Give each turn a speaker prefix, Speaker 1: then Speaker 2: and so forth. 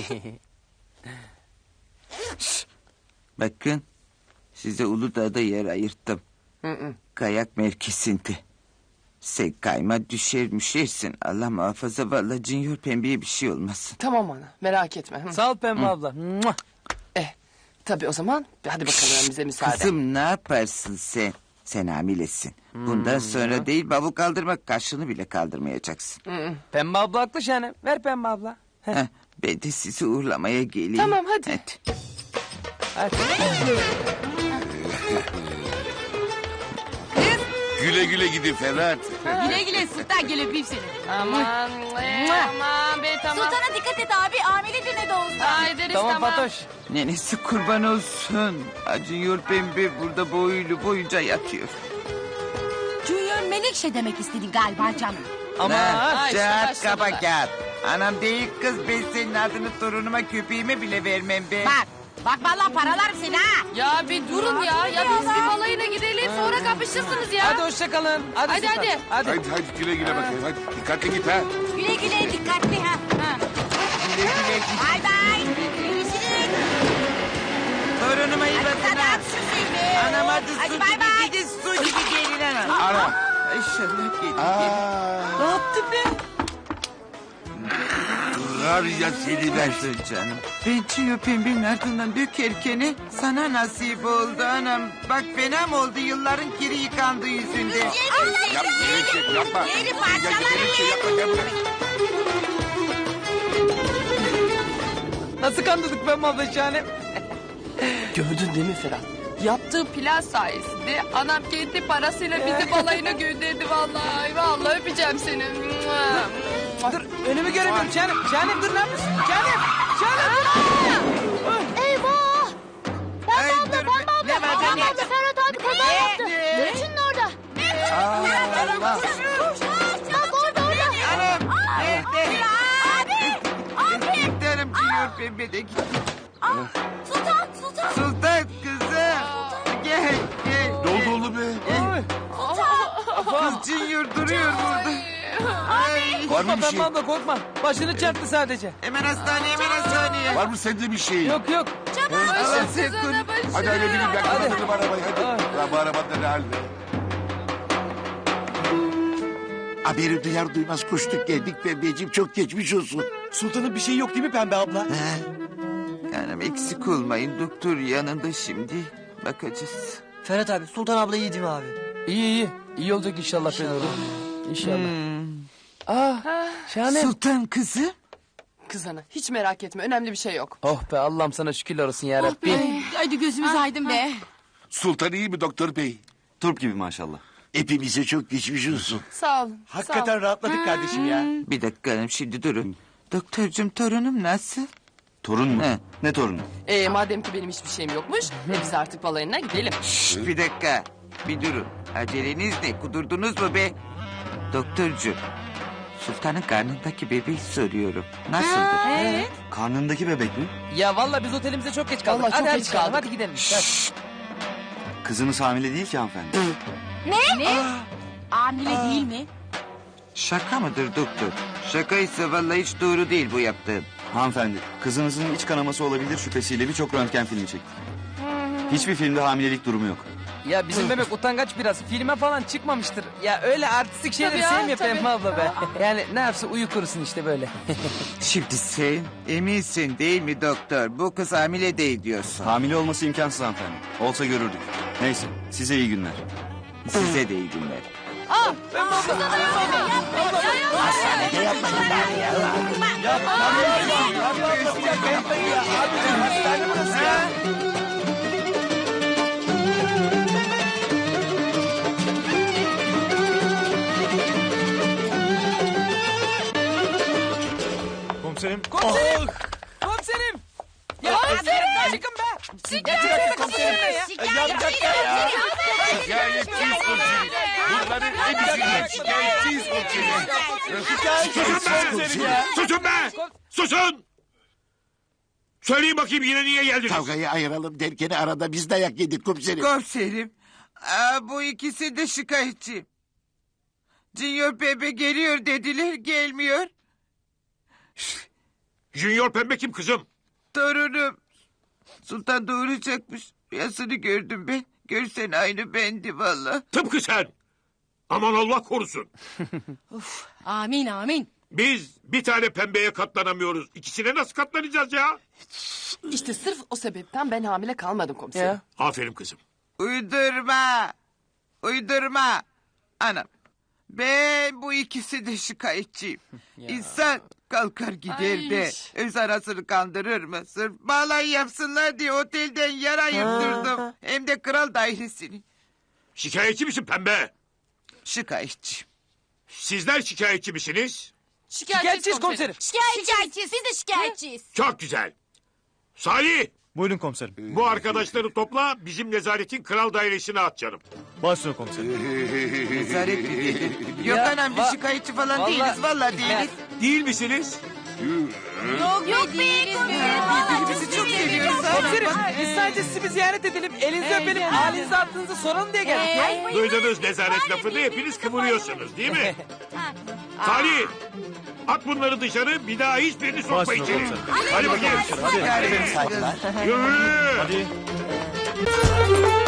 Speaker 1: Bakın size Uludağ'da yer ayırttım. Kayak mevkisinde. Sen kayma düşersin. Allah muhafaza vallahi Junior Pembe'ye bir şey olmasın.
Speaker 2: Tamam ana, merak etme.
Speaker 3: Sağ ol Pembe abla. Mua.
Speaker 2: Tabii o zaman hadi bakalım bize müsaade.
Speaker 1: Kızım ne yaparsın sen? Sen hamilesin. Bundan sonra değil bavul kaldırmak kaşını bile kaldırmayacaksın.
Speaker 3: Pembe abla haklı Şahanem. Ver Pembe abla.
Speaker 1: Heh, ben de sizi uğurlamaya geleyim.
Speaker 2: Tamam hadi.
Speaker 3: Hadi.
Speaker 4: Güle güle gidin Ferhat.
Speaker 5: Güle güle Sultan, gel öpeyim seni.
Speaker 2: Aman be tamam.
Speaker 5: Sultana dikkat et abi, hamile ne de olsa.
Speaker 2: Aa, ederiz
Speaker 3: Tamam
Speaker 2: tamam.
Speaker 3: Fatoş.
Speaker 1: Nenesi kurban olsun. Junior Pembe burada boyunca yatıyor.
Speaker 5: Junior Menekşe demek istedin galiba canım.
Speaker 3: Ama
Speaker 2: Ha, işte
Speaker 1: Kağıt
Speaker 2: başladılar.
Speaker 1: kaba kağıt. Anam değil kız, ben senin adını torunuma köpeğime bile vermem be.
Speaker 5: Bak vallahi paralarım seni ha.
Speaker 2: Ya bir durun ya. Ya biz bir balayına gidelim sonra kapışırsınız ya.
Speaker 3: hadi hoşça kalın.
Speaker 2: Hadi,
Speaker 3: Sultan.
Speaker 2: hadi.
Speaker 4: Hadi güle güle bakayım. Hadi dikkatli git ha.
Speaker 5: Güle güle, dikkatli ha.
Speaker 1: Güle güle git.
Speaker 5: Bay bay. Görüşürüz.
Speaker 1: Torunuma iyi
Speaker 5: Hadi
Speaker 1: bakın
Speaker 5: sen
Speaker 1: ha.
Speaker 5: at şu seni.
Speaker 1: Anam hadi su
Speaker 5: Hadi
Speaker 1: gibi
Speaker 5: bay bay.
Speaker 1: gidin, su gibi gelin anam.
Speaker 4: Ana.
Speaker 1: İnşallah gelin.
Speaker 4: Aa,
Speaker 1: Ne yaptın be?
Speaker 4: var ya seni ben.
Speaker 1: Dur canım. Ben Junior Pembe'nin ardından dökerken sana nasip oldu anam. Bak fena mı oldu yılların kiri yıkandığı yüzünde.
Speaker 4: Yapma Melekşe yapma.
Speaker 5: Yeri
Speaker 4: Ya
Speaker 5: parçalarım.
Speaker 4: Melekşe yapma gel buraya.
Speaker 3: Nasıl kandırdık Pembe abla Şahanem?
Speaker 2: Gördün değil mi Ferhat? Yaptığı plan sayesinde anam kendi parasıyla bizi balayına gönderdi vallahi. Vallahi öpeceğim seni.
Speaker 3: Dur önümü göremiyorum Şahanem. Şahanem dur ne yapıyorsun? Şahanem.
Speaker 5: Eyvah.
Speaker 1: Ay, dur be. Ne var be, ne?
Speaker 5: Ferhat abi kaza yaptı. Geçin orada.
Speaker 1: Allah.
Speaker 5: Bak orada.
Speaker 1: Anam. Nerede?
Speaker 5: Abi.
Speaker 1: Giderim Junior Pembe de gitti.
Speaker 5: Sultan.
Speaker 1: Sultan kızım. Gel.
Speaker 4: Ne oldu oğlum be?
Speaker 1: Kız Junior duruyor burada. Ay.
Speaker 4: Var mı
Speaker 3: Korkma
Speaker 4: bir şey?
Speaker 3: Pembe abla korkma. Başını çarptı sadece.
Speaker 1: Hemen hastaneye.
Speaker 4: Var mı sende bir şey?
Speaker 3: Yok.
Speaker 1: Allah sen koru.
Speaker 4: Hadi hadi bilin ben
Speaker 3: Hadi.
Speaker 4: kapatırım arabayı hadi. Ya bu arabada ne halde?
Speaker 6: Haberi duyar duymaz koştuk geldik Pembeciğim, çok geçmiş olsun.
Speaker 7: Sultanın bir şey yok değil mi Pembe abla?
Speaker 1: Canım eksik olmayın, doktor yanında şimdi. Bakacağız.
Speaker 7: Ferhat abi, Sultan abla iyi değil mi abi?
Speaker 3: İyi. İyi olacak inşallah Fenoğlu. İnşallah. Şahanem.
Speaker 1: Sultan kızım.
Speaker 2: Kız ana hiç merak etme önemli bir şey yok.
Speaker 3: Oh be Allah'ım sana şükürler olsun ya Rabbi.
Speaker 5: Hadi gözümüz aydın be.
Speaker 4: Sultan iyi mi doktor bey?
Speaker 6: Turp gibi maşallah. Hepimize çok geçmiş olsun.
Speaker 2: Sağ olun.
Speaker 7: Hakikaten rahatladık kardeşim ya.
Speaker 1: Bir dakika hanım şimdi durun. Doktorcum torunum nasıl?
Speaker 6: Torun mu?
Speaker 1: He.
Speaker 6: Ne torunu?
Speaker 2: Madem ki benim hiçbir şeyim yokmuş biz artık balayına gidelim.
Speaker 1: Şşt, bir dakika. Bir durun. Aceleniz ne? Kudurdunuz mu be? Doktorcum. Sultanın karnındaki bebeği soruyorum. Nasıldır?
Speaker 6: Karnındaki bebek mi?
Speaker 3: Ya vallahi biz otelimize çok geç kaldık.
Speaker 2: Vallahi çok
Speaker 3: hadi
Speaker 2: geç
Speaker 3: çıkalım,
Speaker 2: kaldık.
Speaker 3: Hadi gidelim. Hadi.
Speaker 6: Kızınız hamile değil ki hanımefendi.
Speaker 5: Ne? Hamile değil mi?
Speaker 1: Şaka mıdır doktor? Şakaysa vallahi hiç doğru değil bu yaptığın.
Speaker 6: Hanımefendi, kızınızın iç kanaması olabilir şüphesiyle birçok röntgen filmi çektik. Hiçbir filmde hamilelik durumu yok.
Speaker 3: Ya bizim bebek utangaç biraz. Filme falan çıkmamıştır. Ya öyle artistik şeyleri
Speaker 2: Tabii ya,
Speaker 3: sevmiyor
Speaker 2: tabii.
Speaker 3: Pembe abla be. Yani ne yapsa uyu kurusun işte böyle.
Speaker 1: Şimdi sen eminsin değil mi doktor? Bu kız hamile değil diyorsun.
Speaker 6: Hamile olması imkansız hanımefendi. Olsa görürdük. Neyse, size iyi günler.
Speaker 1: Size de iyi günler.
Speaker 7: Komiserim.
Speaker 3: Komiserim! Komiserim! Ya komiserim! Çıkın be!
Speaker 7: Şikayet komiserim.
Speaker 4: Şikayetçiyiz komiserim. Bunların hepsini şikayetçiyiz komiserim.
Speaker 7: Komiserim ya.
Speaker 4: Susun be! Susun! Söyleyin bakayım yine niye geldiniz?
Speaker 6: Kavgayı ayıralım derken arada biz dayak yedik komiserim.
Speaker 1: Komiserim. Bu ikisi de şikayetçi. Junior bebe geliyor dediler gelmiyor.
Speaker 4: Junior Pembe kim kızım?
Speaker 1: Torunum. Sultan doğuracakmış. Rüyasını gördüm ben. Görsen aynı bendi valla.
Speaker 4: Tıpkı sen. Aman Allah korusun.
Speaker 5: Amin amin.
Speaker 4: Biz bir tane pembeye katlanamıyoruz. İkisine nasıl katlanacağız ya?
Speaker 2: İşte sırf o sebepten ben hamile kalmadım komiserim.
Speaker 3: Ya.
Speaker 4: Aferin kızım.
Speaker 1: Uydurma. Uydurma. Anam. Ben bu ikisi de şikayetçiyim. İnsan kalkar gider de
Speaker 2: Ay.
Speaker 1: öz arasını kandırır mı? Sırf balayı yapsınlar diye otelden yara yıktırdım. Hem de kral dairesini.
Speaker 4: Şikayetçi misin pembe?
Speaker 1: Şikayetçiyim.
Speaker 4: Sizler şikayetçi misiniz?
Speaker 3: Şikayetçiyiz komiserim.
Speaker 5: Şikayetçiyiz. Biz de şikayetçiyiz.
Speaker 4: Çok güzel. Salih,
Speaker 7: Buyurun komiserim.
Speaker 4: bu arkadaşları topla bizim nezaretin kral dairesine at canım.
Speaker 7: Başüstüne komiserim.
Speaker 1: Nezaret mi dedi? Yok
Speaker 3: Ya,
Speaker 1: anam biz şikayetçi falan
Speaker 3: vallahi-
Speaker 1: değiliz. Vallahi değiliz.
Speaker 4: Değil misiniz?
Speaker 5: Yok be değiliz.
Speaker 1: Birbirimizi çok seviyoruz.
Speaker 3: Komiserim biz sadece sizi bir ziyaret edelim. Elinizi öpelim. Halinizi attığınızı soralım diye geldik.
Speaker 4: Duydunuz nezaret lafını hepiniz kıvırıyorsunuz değil mi? Salih, at bunları dışarı bir daha hiçbirini sokma
Speaker 7: Başüstüne
Speaker 4: içeri.
Speaker 7: komiserim.
Speaker 4: Hadi bakayım.
Speaker 7: Hadi.
Speaker 1: Yani-
Speaker 4: Yürü.
Speaker 7: Hadi.